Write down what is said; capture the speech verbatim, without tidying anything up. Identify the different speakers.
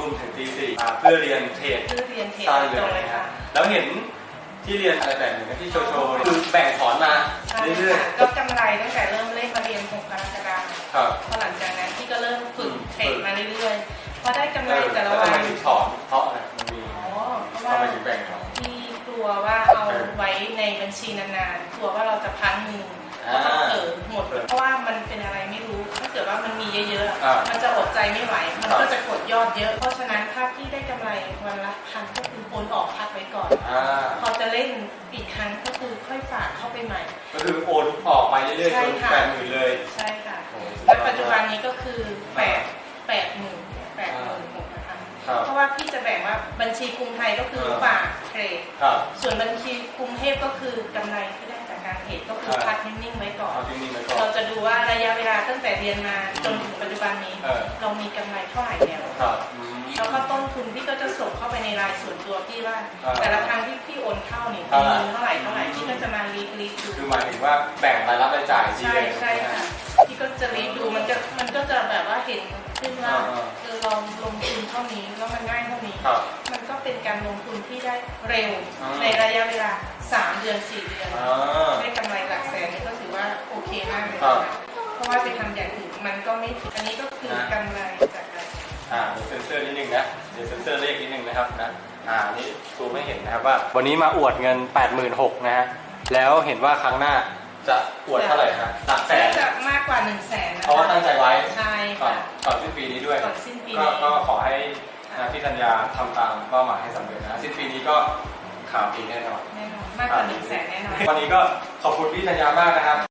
Speaker 1: ทุ่มถึงตีสี่เพื่อเรียนเทรด
Speaker 2: เพื่อเรียนเทรด
Speaker 1: สั้นเลยนะฮะแล้วเห็นที่เรียนอะไรแบบหนึ่งที่โชว์โชว์คือแบ่งถอนมาเรื่อยๆ
Speaker 2: ก็กำไรตั้งแต่เริ่มเล่นมาเรียนหกกรกฎาคม
Speaker 1: ครับ
Speaker 2: พอหลังจากนั้นที่ก็เริ่มฝึกเทรดมาเรื่อยๆพอได้กำไรแต่ละ
Speaker 1: แล้ว
Speaker 2: วั
Speaker 1: ทำ
Speaker 2: น
Speaker 1: ไมถึงถอนเพราะอะไรมันมี
Speaker 2: อ๋อเพราะ
Speaker 1: ทำ
Speaker 2: ว่า
Speaker 1: ไมถึงแบ่งถอน
Speaker 2: ที่กลัวว่าเอาไว้ในบัญชีนานๆกลัวว่าเราจะพังมือแล้วก็เออหมดเพราะว่ามันเป็นอะไรไม่รู้ถ้าเกิดว่ามันมีเยอะๆมันจะอดใจไม่ไหวมันก็จะกดยอดเยอะเพราะฉะนั้นถ้าพี่ได้กำไรวันละพันก็คือโอนออกพักไว้ก่อนพอจะเล่นอีกครั้งก็คือค่อยฝากเข้าไปใหม่
Speaker 1: ก็คือโอนออกไปเรื่อยๆจนแปดหมื่นเลย
Speaker 2: ใช่ค่ะและปัจจุบันนี้ก็คือแปดแปดหมื่นแปดหมื่นหกนะคะเพราะว่าพี่จะแบ่งว่าบัญชีกรุงไทยก็คือฝากเทรดส่วนบัญชีกรุงเทพก็คือกำไรที่ได้จากการเทรดก็คือพักนิ่งๆไว้ก่อนเราจะดูว่าระยะเวลาตั้งแต่เรียนมาจนถึงปัจจุบันนี้เรามีกำไรเท่าไหร่แล้วแล้วก็ต้นทุนพี่ก็จะส่งเข้าไปในรายส่วนตัวพี่ว่าแต่ละครั้งที่พี่โอนเข้าเนี่ยมีเงินเท่าไหร่เท่าไหร่พี่ก็จะมารีรีดู
Speaker 1: คือหมายถึงว่าแบ่งรายรับรายจ่าย
Speaker 2: ใช่ใช่ค่ะพี่ก็จะรีดูมันจะมันก็จะแบบว่าเห็นขึ้นว่าคือเราลงทุนเท่านี้แล้วมันง่ายเท่านี้มันก็เป็นการลงทุนที่ได้เร็วในระยะเวลาสามเดือนสี่เดือนได้กำไรหลักแสนนี่ก็ถือว่าโอเคมากเลยนะเพราะว่าไปทำอย่างอื่นมันก็ไม่อันนี้ก็คือกำไรจากการ
Speaker 1: อ่าเดี๋ยวเซ็นเซอร์นิดนึงนะเดี๋ยวเซ็นเซอร์เลขนิดนึงนะครับนะอ่านี่ซูมไม่เห็นนะครับว่าวันนี้มาอวดเงิน แปดหมื่นหกพัน นะฮะแล้วเห็นว่าครั้งหน้าจะอวดเท่าไหร่ฮะหลักแสน
Speaker 2: จะมากกว่าหนึ่งแสน
Speaker 1: เพราะว่าตั้งใจไว้
Speaker 2: ใช่
Speaker 1: ก่อนก่อนสิ้นปีนี้ด้วยก็ขอให้พี่ธัญญาทำตามเป้าหมายให้สำเร็จนะสิ้นปีนี้ก็ข่าวดีแน่นอน
Speaker 2: แน่นอนมากกว่าหนึ่งแสนแน่นอน
Speaker 1: วันนี้ก็ขอบคุณพี่ธัญญามากนะครับ